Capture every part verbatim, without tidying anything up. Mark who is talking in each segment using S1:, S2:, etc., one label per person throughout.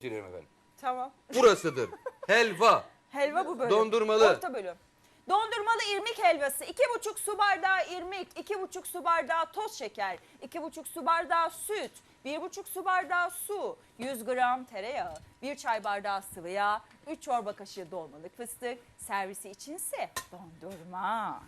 S1: Dilerim efendim.
S2: Tamam.
S1: Burasıdır. Helva.
S2: Helva bu bölüm.
S1: Dondurmalı.
S2: Orta bölüm. Dondurmalı irmik helvası. iki buçuk su bardağı irmik, iki buçuk su bardağı toz şeker, iki buçuk su bardağı süt, bir buçuk su bardağı su, yüz gram tereyağı, bir çay bardağı sıvı yağ, üç çorba kaşığı dolmalık fıstık, servisi içinse dondurma.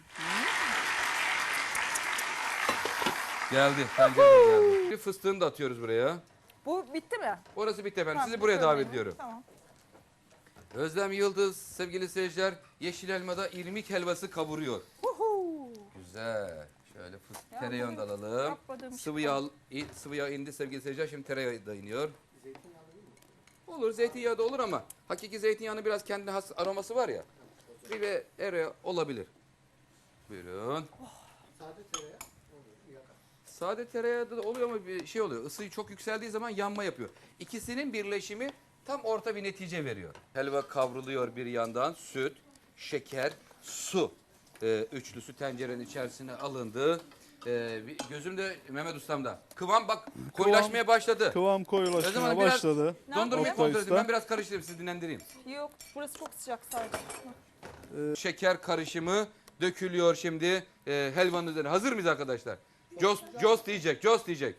S1: Geldi. Pencere geldi. Bir fıstığını da atıyoruz buraya.
S2: Bu bitti mi?
S1: Orası bitti efendim.
S2: Tamam,
S1: Sizi buraya
S2: bakıyorum
S1: davet
S2: ben.
S1: ediyorum.
S2: Tamam.
S1: Özlem Yıldız sevgili seyirciler yeşil elmada irmik helvası kavuruyor.
S2: Uhu.
S1: Güzel. Şöyle fıstık
S2: Ya
S1: tereyağını da
S2: bugün
S1: alalım.
S2: yapmadığım
S1: Sıvı
S2: şey
S1: yağ, i- sıvı yağ indi sevgili seyirciler. Şimdi tereyağı da iniyor. Olur zeytinyağı da olur ama hakiki zeytinyağının biraz kendine has aroması var ya. Bir ve ere olabilir. Buyurun.
S3: Sade tereyağı olur, yakar.
S1: Sade tereyağı da oluyor ama bir şey oluyor. Isı çok yükseldiği zaman yanma yapıyor. İkisinin birleşimi tam orta bir netice veriyor. Helva kavruluyor bir yandan. Süt, şeker, su. Ee, üçlüsü tencerenin içerisine alındı. Ee, bir- gözümde Mehmet Ustam'da. Kıvam bak koyulaşmaya başladı.
S4: Kıvam
S1: O
S4: koyulaşmaya
S1: zaman biraz
S4: başladı.
S2: Ne
S1: Dondurmayı
S2: yapayım?
S1: kontrol edeyim.
S4: Usta.
S1: Ben biraz karıştırayım sizi dinlendireyim.
S2: Yok, burası çok sıcak sadece.
S1: Şeker karışımı dökülüyor şimdi e, helvanın üzerine. Hazır mıyız arkadaşlar? Jos, Jos diyecek, Jos diyecek.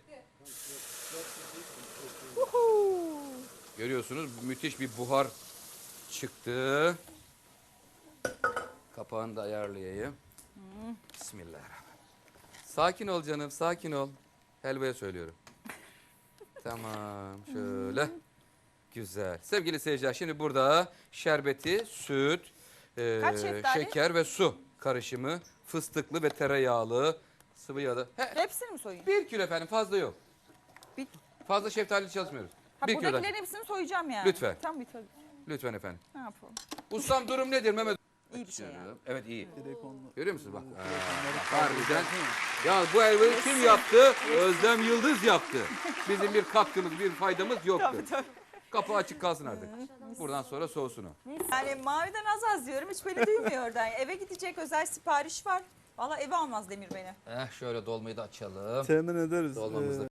S1: Görüyorsunuz müthiş bir buhar çıktı. Kapağını da ayarlayayım. Bismillahirrahmanirrahim. Sakin ol canım, sakin ol. Helvaya söylüyorum. Tamam, şöyle. Güzel. Sevgili seyirciler şimdi burada şerbeti, süt, e,
S2: Kaç şeftali?
S1: şeker ve su karışımı, fıstıklı ve tereyağlı, sıvı yağlı. He,
S2: Hepsini mi soyayım?
S1: bir kilo efendim fazla yok.
S2: Bir-
S1: Fazla şeftali çalışmıyoruz.
S2: Ha,
S1: bir kilodan.
S2: buradakilerin hepsini soyacağım yani.
S1: Lütfen.
S2: Tam bir tabii.
S1: Lütfen efendim.
S2: Ne yapalım?
S1: Ustam durum nedir Mehmet?
S2: İyi bir şey yani.
S1: Evet iyi.
S4: Direkt onunla.
S1: Görüyor musunuz bak? Aa, harbiden. Ya bu helvayı kim yaptı? Özlem Yıldız yaptı. Bizim bir katkımız, bir faydamız yoktu.
S2: Tabii tabii.
S1: Kapı açık kalsın artık. Buradan sonra soğusun o.
S2: Yani maviden az az diyorum hiç beni duymuyor oradan. Eve gidecek özel sipariş var. Valla eve almaz Demir beni.
S1: Eh şöyle dolmayı da açalım.
S4: Temin ederiz.
S1: Dolmamız da
S4: Ee,